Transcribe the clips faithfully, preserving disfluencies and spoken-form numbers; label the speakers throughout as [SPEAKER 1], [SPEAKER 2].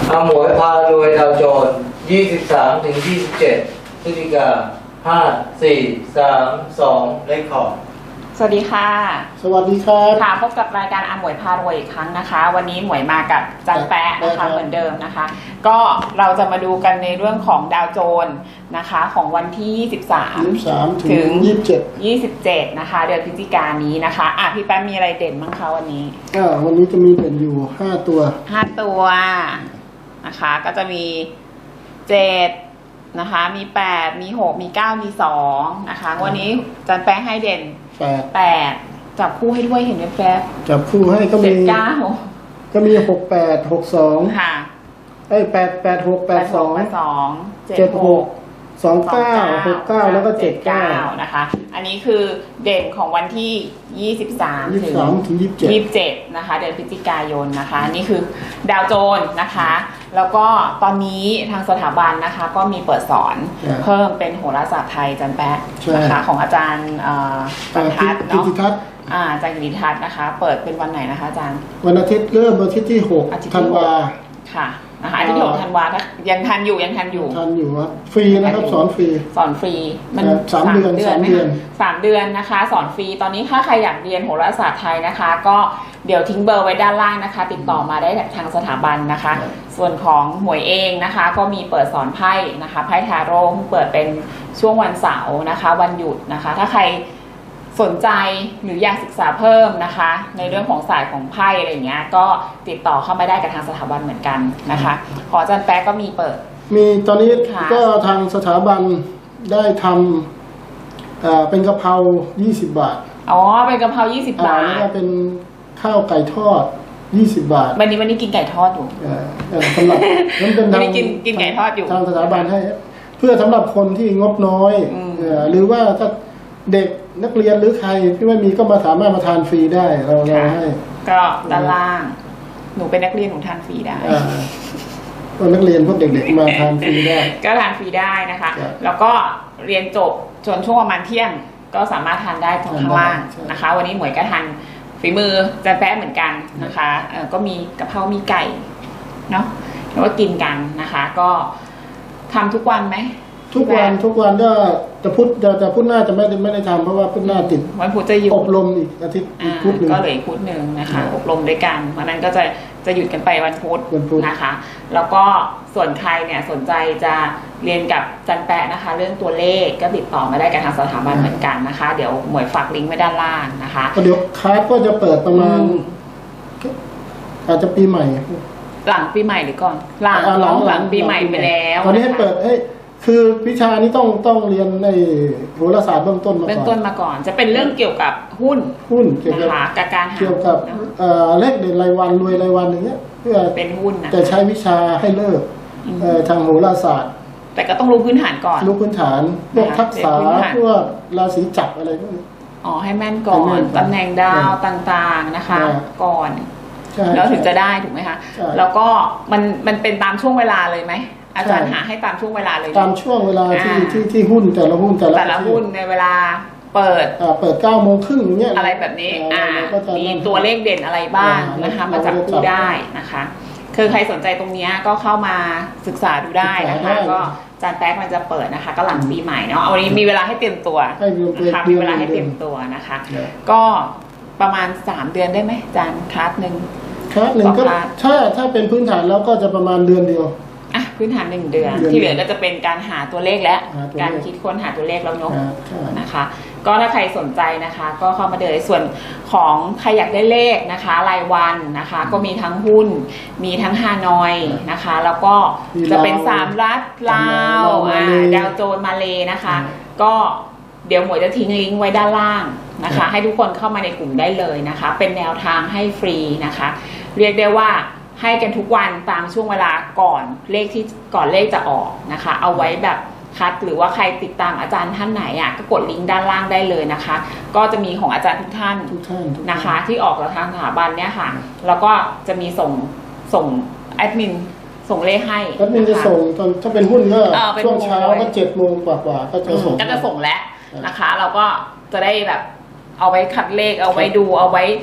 [SPEAKER 1] อาหมวยพารวยดาวโจนส์ยี่สิบสามถึงยี่สิบเจ็ดพฤศจิกาห้า สี่ สาม สองเลขขอบ
[SPEAKER 2] สวัสดีค่ะ
[SPEAKER 3] สวัสดีครับ
[SPEAKER 2] ค่ะพบกับรายการอาหมวยพารวยอีกครั้งนะคะ วันนี้หมวยมากับจันแปะนะคะเหมือนเดิมนะคะก็เราจะมาดูกันในเรื่องของดาวโจนส์นะคะของวันที่ยี่สิบสาม
[SPEAKER 3] ถึงยี่สิบเจ็ด
[SPEAKER 2] ยี่สิบเจ็ดนะคะเดือนพฤศจิกายนนี้นะคะอ่ะพี่แป๊ะมีอะไรเด่นบ้างคะวันนี้
[SPEAKER 3] อ่าวันนี้จะมีเด่นอยู่ห้าตัว
[SPEAKER 2] ห้าตัวนะคะก็จะมีเจ็ดนะคะมีแปดมีหกมีเก้ามีสองนะคะวันนี้จันแปะให้เด่นแปดแปดจับคู่ให้ด้วยเห็นไหมแป๊บ
[SPEAKER 3] จับคู่ให้ก็มี
[SPEAKER 2] เก้า
[SPEAKER 3] ก็มีหกแปดหกสอง
[SPEAKER 2] ค่ะ
[SPEAKER 3] ไอ้แปดแปดหกแปดสอง
[SPEAKER 2] สอง
[SPEAKER 3] เจ็ดหกสองเก้าหกเก้าแล้วก็เจ็ดเก้า
[SPEAKER 2] นะคะอันนี้คือเด่นของวันที่ยี่สิบสาม
[SPEAKER 3] ถึงยี่สิบเจ็ด
[SPEAKER 2] ยี่สิบเจ็ดนะคะเดือนพฤศจิกายนนะคะนี่คือดาวโจนส์นะคะแล้วก็ตอนนี้ทางสถาบันนะคะก็มีเปิดสอนเพิ่มเป็นโหราศาสตร์ไทยจันแปะนะคะของอาจารย์จันทัศน์เนาะอาจารย์กิติทัศน์นะคะเปิดเป็นวันไหนนะคะอาจารย์
[SPEAKER 3] วันอาทิตย์เริ่มวันอาทิตย์ที่หกธันวา
[SPEAKER 2] ค่ะนะคะอาทิตย์ที่หกธันวายังทันอยู่ยังทันอยู่
[SPEAKER 3] ทันอยู่ครับฟรีนะครับสอนฟรี
[SPEAKER 2] สอนฟรี
[SPEAKER 3] มันสามเดือนสามเดือน
[SPEAKER 2] สามเดือนนะคะสอนฟรีตอนนี้ถ้าใครอยากเรียนโหราศาสตร์ไทยนะคะก็เดี๋ยวทิ้งเบอร์ไว้ด้านล่างนะคะติดต่อมาได้ทางสถาบันนะคะส่วนของหมวยเองนะคะก็มีเปิดสอนไพ่นะคะไพ่ทาโร่เปิดเป็นช่วงวันเสาร์นะคะวันหยุดนะคะถ้าใครสนใจหรืออยากศึกษาเพิ่มนะคะในเรื่องของศาสตร์ของไพ่อะไรเงี้ยก็ติดต่อเข้ามาได้กับทางสถาบันเหมือนกันนะคะขออาจารย์แป๊ะก็มีเปิด
[SPEAKER 3] มีตอนนี้ก็ทางสถาบันได้ทำเป็นกะเพรายี่สิบบาท
[SPEAKER 2] อ๋อเป็นกะเพรายี่สิบบาท
[SPEAKER 3] แล้วก็เป็นข้าวไก่ทอดยี่สิบบาท
[SPEAKER 2] วันนี้วันนี้กินไก่ทอดอยู่
[SPEAKER 3] สำหรับนั้นเป็น
[SPEAKER 2] ทางกินกินไก่ทอดอยู่
[SPEAKER 3] ทางสถาบันให้เพื่อสำหรับคนที่งบน้อยหรือว่าถ้าเด็กนักเรียนหรือใครที่ไม่มีก็มาสามารถมาทานฟรีได้เราเราให้
[SPEAKER 2] ก็ด้านล่างหนูเป็นนักเรียนหนูทานฟรีได้
[SPEAKER 3] พวกนักเรียนพวกเด็กๆมาทานฟรีได้
[SPEAKER 2] ก็ทานฟรีได้นะคะแล้วก็เรียนจบจนช่วงประมาณเที่ยงก็สามารถทานได้ตรงข้างล่างนะคะวันนี้หมวยก็ทานฝีมือจันแป๊ะเหมือนกันนะคะก็มีกะเพรามีไก่เนาะแล้วก็กินกันนะคะก็ทำทุกวันไหม
[SPEAKER 3] ทุกวันทุกวันก็จะพุธจะพุธหน้าจะไม่ได้ไม่ได้ทำเพราะว่าพุธหน้าติด
[SPEAKER 2] วันพุธจะหยุด
[SPEAKER 3] อบรมอีกอาทิตย์พุธหนึ่ง
[SPEAKER 2] ก็เหลือพุธหนึ่งนะคะอบรมด้วยกันวันนั้นก็จะจะหยุดกันไปวันพุธนะคะแล้วก็ส่วนใครเนี่ยสนใจจะเรียนกับจันแปะนะคะเรื่องตัวเลขก็ติดต่อมาได้กับทางสถาบันเหมือนกันนะคะเดี๋ยวหมวยฝากลิงก์ไว้ด้านล่างนะคะ
[SPEAKER 3] เดี๋ยวคลาสก็จะเปิดประมาณอาจจะปีใหม่
[SPEAKER 2] หลังปีใหม่หรือก่อนหลังหลังหลังปีใหม่ไปแล้ว
[SPEAKER 3] ตอนนี้ให้เปิดให้คือวิชานี้ต้องต้องเรียนในโหราศาสตร์เบื้องต้นมาก่อน
[SPEAKER 2] เบื้องต้นมาก่อนจะเป็นเรื่องเกี่ยวกับหุ้น
[SPEAKER 3] หุ้นเกี่ยวกับ
[SPEAKER 2] การหา
[SPEAKER 3] เกี่ยวกับเลขเด่นรายวันรวยรายวันอย่างเงี้ยเพื่อ
[SPEAKER 2] เป็นหุ้นนะ
[SPEAKER 3] จะใช้วิชาให้เลิกทางโหราศาสตร์
[SPEAKER 2] แต่ก็ต้องรู้พื้นฐานก่อน
[SPEAKER 3] รู้พื้นฐานพวกทักษะพวกราศีจักรอะไรพวกนี้
[SPEAKER 2] อ๋อให้แม่นก่อนตำแหน่งดาวต่างๆนะคะก่อนแล้วถึงจะได้ถูกไหมคะแล้วก็มันมันเป็นตามช่วงเวลาเลยไหมอาจารย์หาให้ตามช่วงเวลาเลย
[SPEAKER 3] ตามช่วงเวลาที่ที่ที่หุ้นแต่ละหุ้นแต่ละ
[SPEAKER 2] แต่ละหุ้นในเวลาเปิด
[SPEAKER 3] อ่าเปิดเก้าโมงครึ่งอย่างเงี้ย
[SPEAKER 2] อะไรแบบนี้อ่ามีตัวเลขเด่นอะไรบ้างนะคะมาจับคู่ได้นะคะคือใครสนใจตรงนี้ก็เข้ามาศึกษาดูได้นะคะก็อาจารย์แป๊กมันจะเปิดนะคะก็หลังปีใหม่เนาะวันนี้มีเวลาให้เตรียมตัวนะคะมีเวลาให้เตรียมตัวนะคะก็ประมาณสามเดือนได้ไหมอาจารย์คลาสหนึ่ง
[SPEAKER 3] คลาสหนึ่งก็ถ้าถ้าเป็นพื้นฐานแล้วก็จะประมาณเดือนเดียว
[SPEAKER 2] อ่ะพื้นฐานหนึ่งเดือนที่เหลือก็จะเป็นการหาตัวเลขและการคิดค้นหาตัวเลขแล้วเนาะนะคะก็ถ้าใครสนใจนะคะก็เข้ามาเดินส่วนของใครอยากได้เลขนะคะรายวันนะคะก็มีทั้งหุ้นมีทั้งฮานอยนะคะแล้วก็จะเป็นสามรัฐลาวดาวโจนส์มาเลนะคะก็เดี๋ยวหมวยจะทิ้งลิงก์ไว้ด้านล่างนะคะให้ทุกคนเข้ามาในกลุ่มได้เลยนะคะเป็นแนวทางให้ฟรีนะคะเรียกได้ว่าให้กันทุกวันตามช่วงเวลาก่อนเลขที่ก่อนเลขจะออกนะคะเอาไว้แบบคัดหรือว่าใครติดตามอาจารย์ท่านไหนอ่ะก็กดลิงก์ด้านล่างได้เลยนะคะก็จะมีของอาจารย์ทุกท่านนะคะที่ออกจากทางสถาบันเนี่ยค่ะแล้วก็จะมีส่งส่งแอดมินส่งเลขให้
[SPEAKER 3] แอดมินจะส่งตอนถ้าเป็นหุ้นก็ช่วงเช้าก็เจ็ดโมงกว่าๆก็จะส่ง
[SPEAKER 2] ก็จะส่งแล้วนะคะเราก็จะได้แบบเอาไว้คัดเลขเอาไว้ดูเอาไว้พ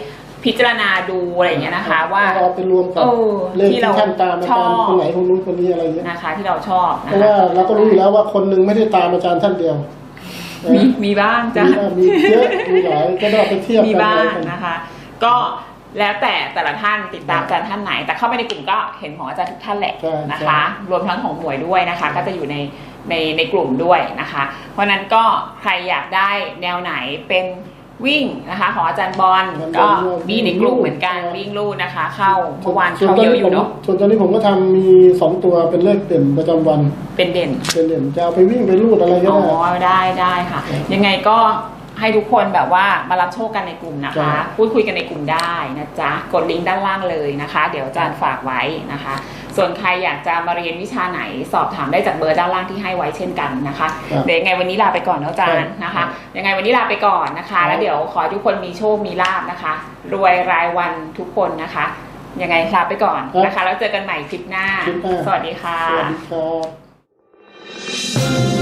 [SPEAKER 2] พิจารณาดูอะไรอย่างเงี้ยนะคะ ว่า
[SPEAKER 3] เอาไปรวมกับ
[SPEAKER 2] เออ
[SPEAKER 3] เลข
[SPEAKER 2] ที่
[SPEAKER 3] ที่
[SPEAKER 2] เรา
[SPEAKER 3] ท่านตามอา
[SPEAKER 2] ช
[SPEAKER 3] จา
[SPEAKER 2] อ
[SPEAKER 3] รย์
[SPEAKER 2] บ
[SPEAKER 3] คนไหนคนนู้นคนนี้อะไรเงี้ย
[SPEAKER 2] นะคะ ที่เราชอบ
[SPEAKER 3] เพ
[SPEAKER 2] นะ
[SPEAKER 3] ราะ
[SPEAKER 2] คะ
[SPEAKER 3] ว่าเราก็รู้อยู่แล้วว่าคนหนึ่งไม่ได้ตามอาจารย์ท่านเดียว
[SPEAKER 2] มีมีบ้างจ้ะ
[SPEAKER 3] มีบ้างมีเยอะมีหลายก็ต้องเอาไปเทียบ
[SPEAKER 2] มี
[SPEAKER 3] กัน
[SPEAKER 2] บ้าง
[SPEAKER 3] อะไรกัน
[SPEAKER 2] นะคะ ก็แล้วแต่แต่ละท่านติดตามอาจารย์ท่านไหน แต่เข้าไปในกลุ่มก็เห็นของอาจารย์ทุกท่านแหละ
[SPEAKER 3] ใช่
[SPEAKER 2] นะคะ รวมทั้งของหมวยด้วยนะคะ ก็จะอยู่ในในในกลุ่มด้วยนะคะ เพราะฉะนั้นก็ใครอยากได้แนวไหนเป็นวิ่งนะคะของอาจารย์บอลก็มีในกลุ่มเหมือนกันวิ่งลู่นะคะ เข้าเมื่อวานเข้าเยอะอยู่เนาะ
[SPEAKER 3] ส่วนตอนนี้ผมก็ทำมีสองตัวเป็นเลขเด่นประจำวัน
[SPEAKER 2] เป็นเด่น
[SPEAKER 3] เป็นเด่นจะเอาไปวิ่งไปรูดอะไรก็
[SPEAKER 2] อ๋อ
[SPEAKER 3] ได้
[SPEAKER 2] ได้ได้ค่ะ ยังไงก็ให้ทุกคนแบบว่ามารับโชคกันในกลุ่มนะ
[SPEAKER 3] ครั
[SPEAKER 2] คะ
[SPEAKER 3] บ
[SPEAKER 2] พูดคุยกันในกลุ่มได้นะจ๊ะกดลิงก์ด้านล่างเลยนะคะ เดี๋ยวอาจารย์ฝากไว้นะคะ ส่วนใครอยากจะมาเรียนวิชาไหนสอบถามได้จากเบอร์ด้านล่างที่ให้ไว้เช่นกันนะคะ
[SPEAKER 3] ครับ
[SPEAKER 2] เดี๋ยวยังไงวันนี้ลาไปก่อนนะอาจารย์นะคะ ยังไงวันนี้ลาไปก่อนนะคะ แล้วเดี๋ยวขอให้ทุกคนมีโชคมีลาภนะคะ รวยรายวันทุกคนนะคะ ยังไงลาไปก่อนนะคะ แล้วเจอกันใหม่คลิปหน้า
[SPEAKER 3] คลิปหน้า
[SPEAKER 2] สวัสดีค่ะ
[SPEAKER 3] สวัสดีครับ